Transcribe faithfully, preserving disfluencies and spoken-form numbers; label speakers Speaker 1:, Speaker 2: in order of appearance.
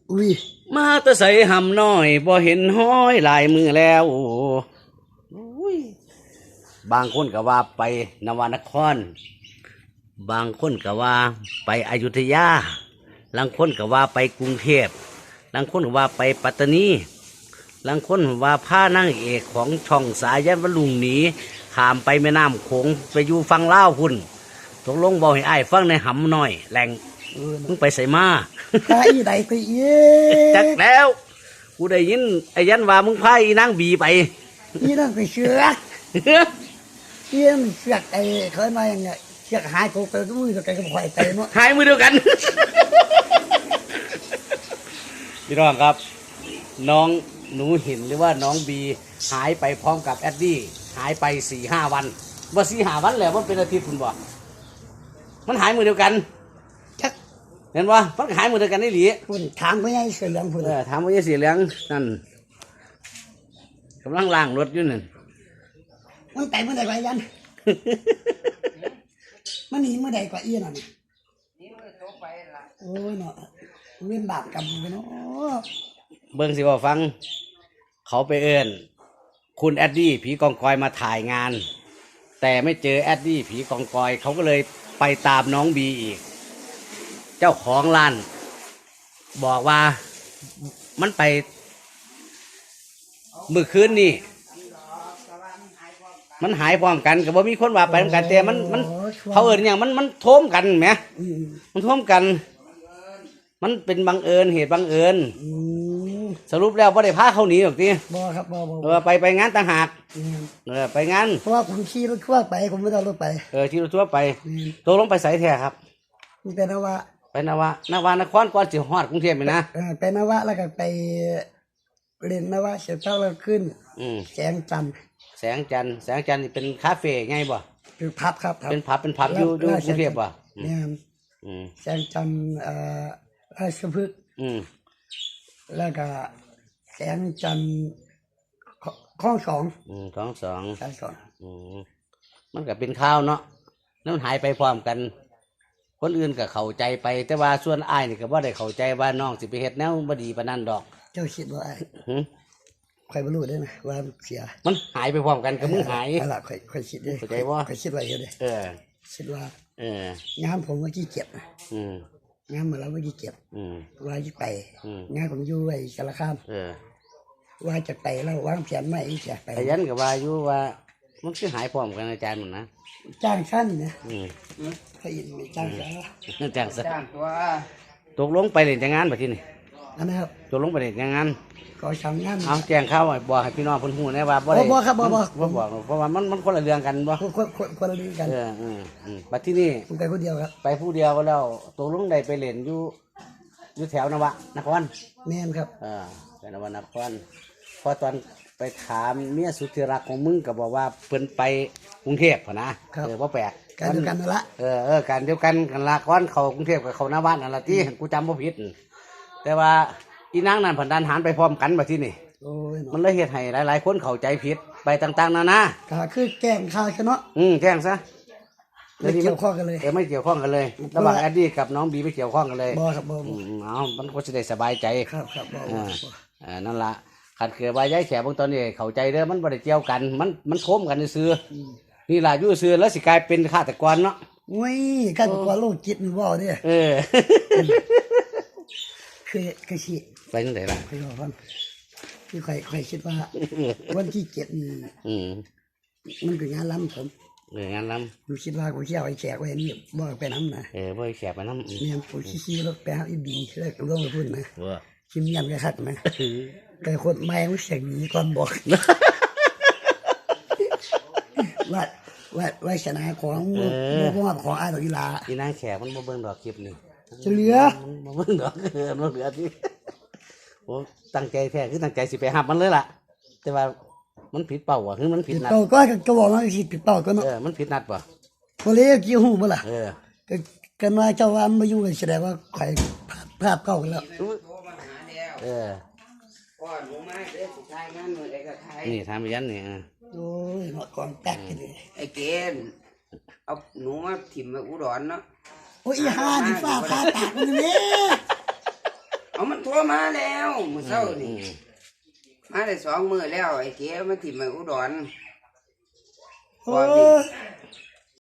Speaker 1: อุ้ย
Speaker 2: มาแตะใส่หำน้อยบ่เห็นห้อยลายมือแล้วบางคนก็ว่าไปนวนครบางคนก็ว่าไปอยุธยาบางคนก็ว่าไปกรุงเทพบางคนก็ว่าไปปัตตานีบางคนว่าผ้านางเอกของช่องสายันวลุงหนีข้ามไปแม่น้ำโขงไปอยู่ฟังลาวพุ่นตกลงบอกให้อ้ายฟังในหำน้อยแหล่งมึงไปใส่มา
Speaker 1: พาอีใดไปเย้
Speaker 2: จักแล้วกูได้ยินไอ้ยันว่ามึงพาอีนางบีไป
Speaker 1: นี่นั่งไปเชือกเยี่ยมเชือกไอ้เคยมาอย่างเงี้ยเชือกหายกูไปก็มือตัวไกลก็ปล่อยไปเนาะ
Speaker 2: หายมือเดียวกันพี่น้องครับน้องหนูหินหรือว่าน้องบีหายไปพร้อมกับแอดดี้หายไปสี่ห้าวันว่าสี่ห้าวันแล้วมันเป็นอาทิตย์คุณบอกมันหายมือเดียวกัน
Speaker 1: ชัก
Speaker 2: เห็นว่ามันหายมือเดียวกันนี่หลี
Speaker 1: คุณถามพ่อใหญ่เสือเหลืองคุณ
Speaker 2: เออถามพ่อใหญ่เสือเหลืองนั่นกำลังล้างรถอยู่นั่น
Speaker 1: มันไปเมื่อใดกว่ายันมันหนีเมื่อใดกว่าเอี้ยน่ะโอ้ยเนาะเว้นบาปกรรมไปเนาะ
Speaker 2: เบิ้งสิว่าฟังเขาไปเอิญคุณแอดดี้ผีกองกอยมาถ่ายงานแต่ไม่เจอแอดดี้ผีกองกอยเขาก็เลยไปตามน้องบีอีกเจ้าของร้านบอกว่ามันไปเมื่อคืนนี่มันหายพร้อมกันกับว่ามีคนว่าไปพร้อมกันแต่มันมันเขาเอิญอย่างมันมันโทมกันไหมมันโทมกันมันเป็นบังเอิญเหตุบังเอิญสรุปแล้วว่าได้พาเขาหนีหรอกที
Speaker 1: บ่ครับบ่บ่
Speaker 2: เออไปไปงานต่างหากเออไปงาน
Speaker 1: เพราะว่าผมขี่รถทั่วไปผมไม่ได้รถไป
Speaker 2: เออขี่รถทั่วไปตกลงไปใส่แท้ครับ
Speaker 1: มีแต่นวะ
Speaker 2: ไปนวะนวานครก่อนสิฮอดกรุงเทพไปนะ
Speaker 1: เออไปนวะแล้วก็ไปเรียนนวะเสร็จแล้วขึ้นแสงจันทร์
Speaker 2: แสงจันทร์แสงจันทร์นี่เป็นคาเฟ่ไงบ่
Speaker 1: เป็นพับครับ
Speaker 2: เป็นพับเป็นพับอยู่อยู่กรุงเทพบ่
Speaker 1: เนี่ยแสงจันทร์เอ่อราชพฤกษ์แล้วก็แสงจันทร์ข้องสอง
Speaker 2: อืมข้องสอง
Speaker 1: ข้องสอง
Speaker 2: อืมมันก็เป็นข้าวเนาะแล้วมันหายไปพร้อมกันคนอื่นก็เข้าใจไปแต่ว่าส่วนอ้ายนี่ก็บ่ได้เข้าใจว่าน้องสิไปเฮ็ดแนวบ่ดีปานนั้นดอก
Speaker 1: เจ้าคิดว่าอ้ายใครบ่รู้ได้ไหมว่าเสีย
Speaker 2: มันหายไปพร้อมกันกับมึงหาย
Speaker 1: อะไรใครใครคิดได้
Speaker 2: เข้าใจบ่
Speaker 1: ใครคิดว่าเฮ็ดได้
Speaker 2: เออ
Speaker 1: คิดว่า
Speaker 2: เอ
Speaker 1: องานผมเมื่อกี้เก็บนะ
Speaker 2: อืม
Speaker 1: งานมาแล้วเมื่อกี้เก็บ
Speaker 2: อืม
Speaker 1: ว่าจะไปงานผมอยู่ไอ้สารคาม
Speaker 2: เออ
Speaker 1: ว่าจะไปแล้ววางแผนไม่จะไป
Speaker 2: แต่ยันก็ว่าอยู่ว่ามันคือหายพร้อมกันอาจารย์มันนะ
Speaker 1: จ้างชั้นนะ
Speaker 2: อืม
Speaker 1: เขายินไม่จ้างซะ
Speaker 2: จ้างซะจ้างตัวตกลงไปเล่นจังงานบัดทีนี้
Speaker 1: อันนั้นครับ
Speaker 2: ตกลงไปเล่นจังงาน
Speaker 1: ก็ทำงาน
Speaker 2: เอาแจ้งข่าวบอกให้พี่น้องเพิ่นฮู้นะว่าบ่ได้
Speaker 1: บ่ครับบ่บ่
Speaker 2: บ่บอกเพราะว่ามันมันคนละเรื่องกันบ่
Speaker 1: คนคนคนละเรื่องกัน
Speaker 2: เอออืมอืมบัดที่นี่
Speaker 1: ผมไปผู้เดียวครับ
Speaker 2: ไปผู้เดียวก็แล้วตกลงได้ไปเล่นอยู่อยู่แถวนวะนคร
Speaker 1: แม่นครับ
Speaker 2: เออไปนวะนครพอตอนไปถามเมียสุดที่รักของมึงก็บอกว่าเพิ่นไปกรุงเทพฯพุ่นนะเออบ่แปลก
Speaker 1: การเดียวกันนั่นละ
Speaker 2: เออเออการเดียวกันกันละก่อนเข้ากรุงเทพฯกับเข้าหน้าบ้านนั่นล่ะติกูจำบ่ผิดแต่ว่าอีนางนั่นเพิ่นดันหันไปพร้อมกันบัดทีนี้มันเลยเฮ็ดให้หลายๆคนเข้าใจผิดไปต่างๆนานา
Speaker 1: ก็คือแกล้งข่าวซะเนาะ
Speaker 2: อืมแกล้งซะ
Speaker 1: ไม่เกี่ยวข้องกันเลย
Speaker 2: เออไม่เกี่ยวข้องกันเลยระหว่างแอดดี้กับน้องบีไม่เกี่ยวข้องกันเลย
Speaker 1: บ่ครับบ่
Speaker 2: อืมเอามันก็จะได้สบายใจ
Speaker 1: ครับครับบ่
Speaker 2: อ่านั่นล่ะขัดเกลือใบย้ายแขกบางตอนนี้เข้าใจเด้อมันบ่ได้เกี่ยวกันมันมันโค้มกันซื่อนี่ล่ะอยู่ซื่อแล้วสิกลายเป็นฆาตกรเนาะ
Speaker 1: โอ้ยฆาตกรโรคจิตนี่บ่เด้อ
Speaker 2: เออ
Speaker 1: คือคือสิ
Speaker 2: ไปจังได๋ล่ะ
Speaker 1: คือว่าคือใครใครคิดว่าวันที่เจ็ดนี่
Speaker 2: อืม
Speaker 1: มันเป็นงานล้ำผม
Speaker 2: เอองานล้ำ
Speaker 1: ผมคิดว่าผมสิเอาไอ้แขกไว้นี่บ่ไปนำนะ
Speaker 2: เออบ่ให้แขกไปนำ
Speaker 1: เนี่ยผมสิๆรถไปหาอีบีแล้วก็ลงไปพุ่นนะว่าคิมยันก็คักนะแต่คนใหม่มันเสียงนี้ก่อนบอกว่าว่าว่าชนะของบ่บ่ของอ้ายดอกอีหลา
Speaker 2: อีนางแขกมันบ่เบิ่งดอกคลิปนี่
Speaker 1: จะเหลือ
Speaker 2: บ่เบิ่งดอกเออบ่เหลือที่โอ้ตั้งใจแท้คือตั้งใจสิไปหับมันเลยล่ะแต่ว่ามันผิดเป้าอ่ะคือมันผิดนัด
Speaker 1: เป้าก็ก็บอกว่าสิผิดเป้าก็เนาะ
Speaker 2: เออมันผิดนัดป่ะ
Speaker 1: บ่เลยกี่ฮู้บ่ล่ะ
Speaker 2: เออ
Speaker 1: ก็กันว่าเจ้าว่ามาอยู่กันแสดงว่าใครภาพเก่ากันแล้ว
Speaker 2: เออนี่ทำยันนี่
Speaker 1: โอ้ยหมดกองแตกเลย
Speaker 3: ไอ้เกณฑ์เอาหนูมาถิ่มมาอุดรเนาะ
Speaker 1: โอ้ยห่านี่ฟ้าผ่าตากมันนี่
Speaker 3: เอาเอามันโทรมาแล้วมื้อเช้านี่มาได้สองมื้อแล้วไอ้เก๋มันถิ่มไปอุดร
Speaker 1: โอ้ย